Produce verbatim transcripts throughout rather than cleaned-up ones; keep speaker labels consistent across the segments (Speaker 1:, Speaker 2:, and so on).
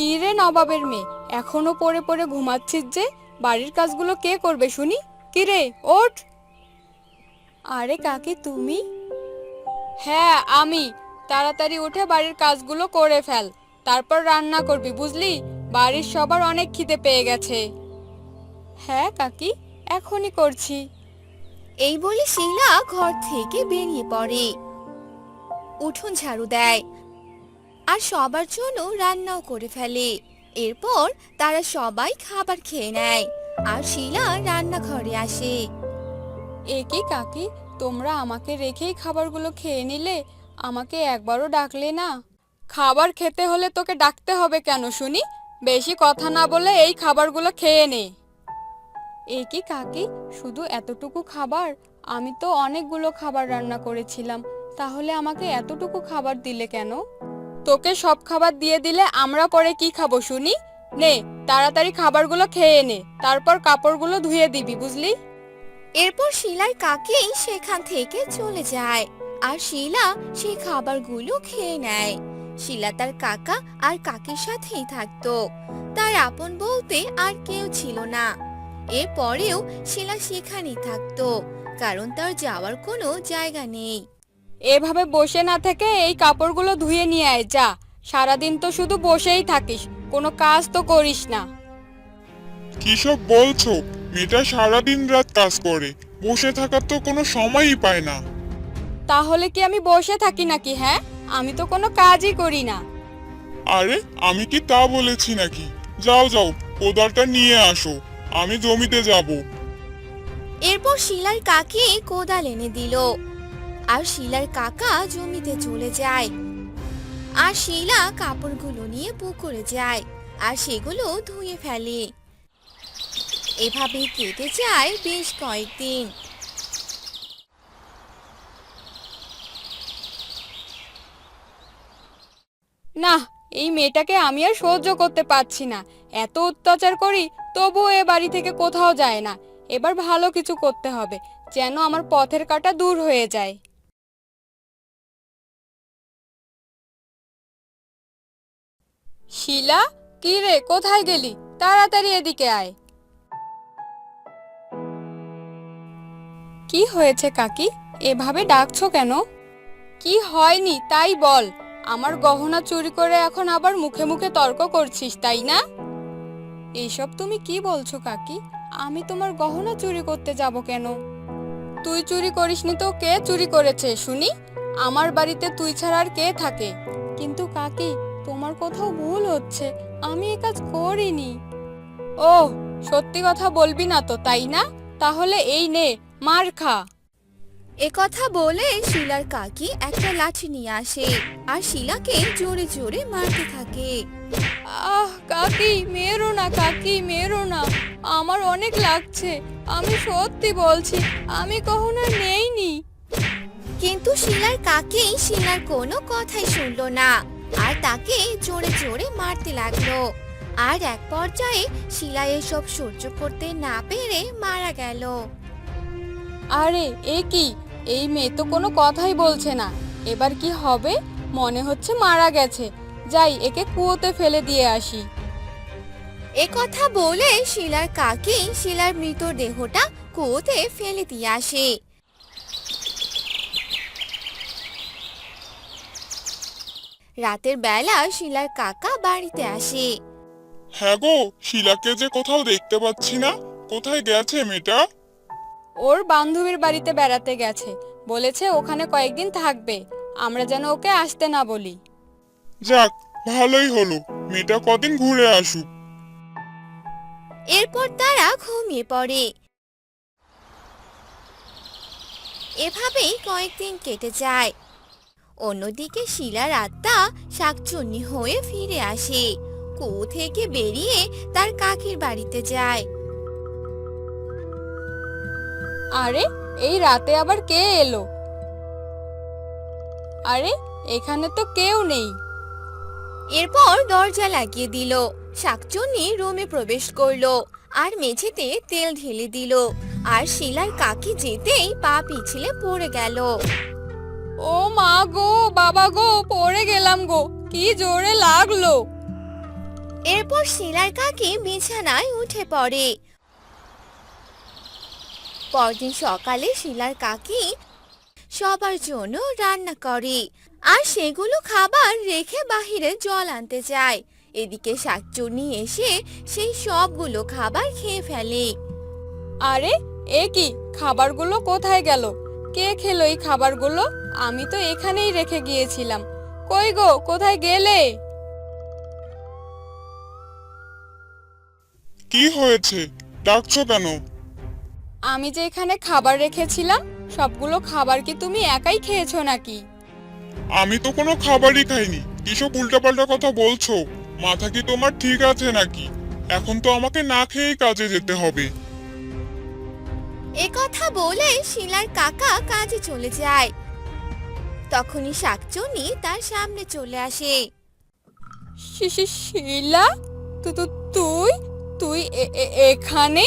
Speaker 1: কি রে নবাবের মেয়ে, এখনো পড়ে পড়ে ঘুমাচ্ছিস যে? বাড়ির কাজগুলো কে করবে শুনি? কি রে, ওঠ। আরে কাকি তুমি? হ্যাঁ আমি। তাড়াতাড়ি উঠে বাড়ির কাজগুলো করে ফেল, তারপর রান্না করবি বুঝলি। বাড়ির সবার অনেক খিদে পেয়ে গেছে। হ্যাঁ কাকি, এখনই করছি।
Speaker 2: এই বলে শিলা ঘর থেকে বেরিয়ে পড়ে, উঠোন ঝাড়ু দেয় আর সবার জন্য রান্নাও করে ফেলে। এরপর তারা সবাই খাবার খেয়ে নেয় আর শিলা রান্নাঘরে আসে।
Speaker 1: এ কি কাকি, তোমরা আমাকে রেখেই খাবারগুলো খেয়ে নিলে? আমাকে একবারও ডাকলে না। খাবার খেতে হলে তোকে ডাকতে হবে কেন শুনি? বেশি কথা না বলে এই খাবারগুলো খেয়ে নে। এ কি কাকি, শুধু এতটুকু খাবার? আমি তো অনেকগুলো খাবার রান্না করেছিলাম, তাহলে আমাকে এতটুকু খাবার দিলে কেন? তোকে সব খাবার দিয়ে দিলে আমরা পরে কি খাবো শুনি? নে, তাড়াতাড়ি খাবারগুলো খেয়ে নে, তারপর কাপড়গুলো ধুয়ে দিবি বুঝলি।
Speaker 2: এরপর শিলার কাকি সেখান থেকে চলে যায় আর শিলা সেই খাবারগুলো খেয়ে নেয়। শিলা তার কাকা আর কাকির সাথেই থাকতো, তার আপন বলতে আর কেউ ছিল না। এরপরেও শিলা সেখানেই থাকতো, কারণ তার যাওয়ার কোনো জায়গা নেই।
Speaker 1: এভাবে বসে না থেকে এই কাপড়গুলো ধুয়ে নিয়ে আয় যা। সারাদিন তো শুধু বসেই থাকিস, কোনো কাজ তো করিস না।
Speaker 3: কিসব বলছো? মেয়েটা সারাদিন রাত কাজ করে, বসে থাকার তো কোনো সময়ই পায় না।
Speaker 1: তাহলে কি আমি বসে থাকি নাকি? হ্যাঁ, আমি তো কোনো কাজই করি না।
Speaker 3: আরে আমি কি তা বলেছি নাকি? যাও যাও, কোদালটা নিয়ে আসো, আমি জমিতে যাব।
Speaker 2: এরপর শিলার কাকি কোদাল এনে দিল আর শিলার কাকা জমিতে চলে যায়। আর শিলা কাপড়গুলো নিয়ে পুকুরে যায় আর সেগুলো ধুয়ে ফেলে। এভাবে কেটে যায় বেশ কয়েকদিন।
Speaker 1: না, এই মেয়েটাকে আমি আর সহ্য করতে পারছি না। এত অত্যাচার করি, তবুও এ বাড়ি থেকে কোথাও যায় না। এবার ভালো কিছু করতে হবে, যেন আমার পথের কাঁটা দূর হয়ে যায়। শিলা, কি রে, কোথায় গেলি? তাড়াতাড়ি এদিকে আয়। কি হয়েছে কাকি, এভাবে ডাকছো কেন? কি হয়নি তাই বল। আমার গহনা চুরি করে এখন আবার মুখে মুখে তর্ক করছিস তাই না? এইসব তুমি কি বলছো কাকি? আমি তোমার গহনা চুরি করতে যাব কেন? তুই চুরি করিসনি তো কে চুরি করেছে শুনি? আমার বাড়িতে তুই ছাড়া আর কে থাকে? কিন্তু কাকি, তোমার কোথাও ভুল হচ্ছে, আমি এ কাজ করিনি। ও, সত্যি কথা বলবি না তো তাই না? তাহলে এই নে, মার খা।
Speaker 2: একথা বলে শিলার কাকি একটা লাঠি নিয়ে আসে আর শিলাকে জোরে জোরে মারতে থাকে।
Speaker 1: আহ কাকি, মেরো না কাকি, মেরো না, আমার অনেক লাগছে। আমি সত্যি বলছি, আমি কখনো নেইনি।
Speaker 2: কিন্তু শিলার কাকি শিলার কোনো কথাই শুনলো না আর তাকে জোরে জোরে মারতে লাগলো। আর এক পর্যায়ে শিলা এসব সহ্য করতে না পেরে মারা গেল।
Speaker 1: আরে এ কি, এই মেয়ে তো কোনো কথাই বলছে না। এবার কি হবে? মনে হচ্ছে মারা গেছে। যাই, একে কুয়োতে ফেলে দিয়ে আসি।
Speaker 2: একথা বলে শিলার কাকি শিলার মৃতদেহটা কুয়োতে ফেলে দিয়ে আসে। রাতের বেলা শিলার কাকা বাড়িতে আসে।
Speaker 3: হ্যাঁ গো, শিলাকে যে কোথাও দেখতে পাচ্ছি না, কোথায় গেছে মেয়েটা?
Speaker 1: ওর বান্ধবীর বাড়িতে বেড়াতে গেছে, বলেছে ওখানে কয়েকদিন থাকবে। আমরা যেন ওকে আসতে না বলি।
Speaker 3: যাক, ভালোই হলো, মেয়েটা কদিন ঘুরে আসুক।
Speaker 2: এরপর তারা ঘুমিয়ে পড়ে। এভাবেই কয়েকদিন কেটে যায়। অন্যদিকে শিলার আত্মা শাকচুন্নি হয়ে ফিরে আসে, কুয়ো থেকে বেরিয়ে তার কাকির বাড়িতে যায়।
Speaker 1: আরে, এই রাতে আবার কে এলো? আরে, এখানে তো কেউ নেই।
Speaker 2: এরপর দরজা লাগিয়ে দিল। শাকচুন্নি রুমে প্রবেশ করলো আর মেঝেতে তেল ঢেলে দিল। আর শিলার কাকি যেতেই পা পিছলে পড়ে গেল।
Speaker 1: ও মা গো, বাবা গো, পড়ে গেলাম গো, কি জোরে লাগলো।
Speaker 2: এরপর শিলার কাকি বিছানায় উঠে পড়ে। পরদিন সকালে শিলার কাকি সবার জন্য রান্না করে আর সেগুলো খাবার রেখে বাহিরে জল আনতে যায়। এদিকে শাকচুন্নি এসে সেই সবগুলো খাবার খেয়ে ফেলে।
Speaker 1: আরে এ কি, খাবারগুলো কোথায় গেল? কে খেলো এই খাবারগুলো? আমি তো এখানেই রেখে গিয়েছিলাম। কই গো, কোথায় গেলে?
Speaker 3: কি হয়েছে, ডাকছো কেন?
Speaker 1: আমি যে এখানে খাবার রেখেছিলাম, সবগুলো খাবার কি তুমি একাই খেয়েছো নাকি?
Speaker 3: আমি তো কোনো খাবারই খাইনি। কিসব উল্টাপাল্টা কথা বলছো? মাথা কি তোমার ঠিক আছে নাকি? এখন তো আমাকে না খেয়েই কাজে যেতে হবে।
Speaker 2: এ কথা বলে শিলার কাকা কাজে চলে যায়। তখনই শাকচুন্নি তার সামনে চলে আসে।
Speaker 1: শি- শি- শিলা, তু তু তুই তুই এ- এ- এখানে?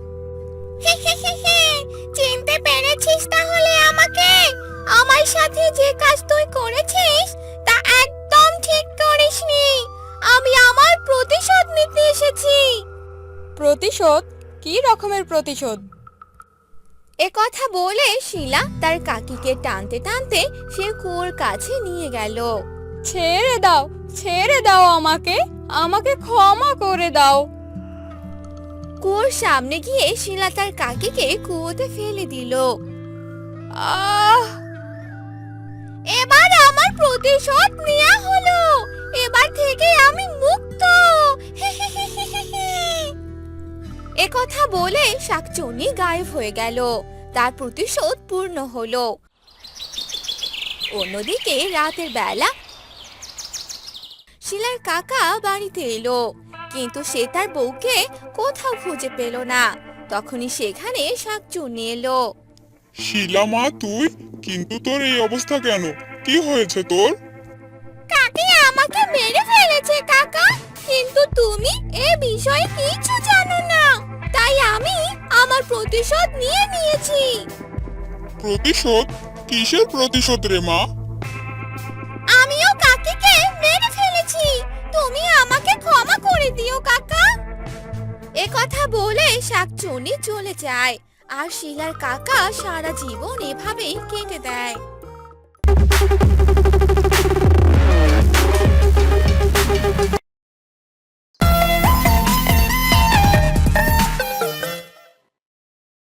Speaker 2: চিনতে পেরেছিস তাহলে আমাকে? আমার সাথে যে কাজ তুই করেছিস তা একদম ঠিক করিসনি। আমি আমার প্রতিশোধ নিতে এসেছি।
Speaker 1: প্রতিশোধ? কি রকমের প্রতিশোধ?
Speaker 2: এ কথা বলে শিলা তার কাকিকে টানতে টানতে সে কুয়োর কাছে নিয়ে গেল।
Speaker 1: ছেড়ে দাও, ছেড়ে দাও আমাকে, আমাকে ক্ষমা করে দাও।
Speaker 2: কুয়োর সামনে গিয়ে শিলা তার কাকিকে কুয়োতে ফেলে দিল।
Speaker 1: আহ!
Speaker 2: এবার আমার প্রতিশোধ নেওয়া হলো। এবার থেকে আমি মুক্ত। এ কথা বলে শাকচুন্নি গায়েব হয়ে গেল। তার প্রতিশোধ পূর্ণ হলো। অন্যদিকে রাতের বেলা শিলার কাকা বাড়িতে এলো, কিন্তু সে তার বউকে কোথাও খুঁজে পেল না। তখনই সেখানে শাকচুন্নি এলো।
Speaker 3: শিলা মা, তুই? কিন্তু তোর এই অবস্থা কেন? কি হয়েছে তোর?
Speaker 2: কাকি আমাকে মেরে ফেলেছে কাকা, কিন্তু তুমি এ বিষয়ে কিছু জানো না, তাই আমি আমার প্রতিশোধ নিয়ে নিয়েছি।
Speaker 3: প্রতিশোধ? কিসের প্রতিশোধ রে মা?
Speaker 2: আমিও কাকিকে মেরে ফেলেছি, তুমি আমাকে ক্ষমা করে দিও কাকা। এ কথা বলে শাকচুন্নি চলে যায় আর শিলার কাকা সারা জীবন এভাবেই কেটে দেয়।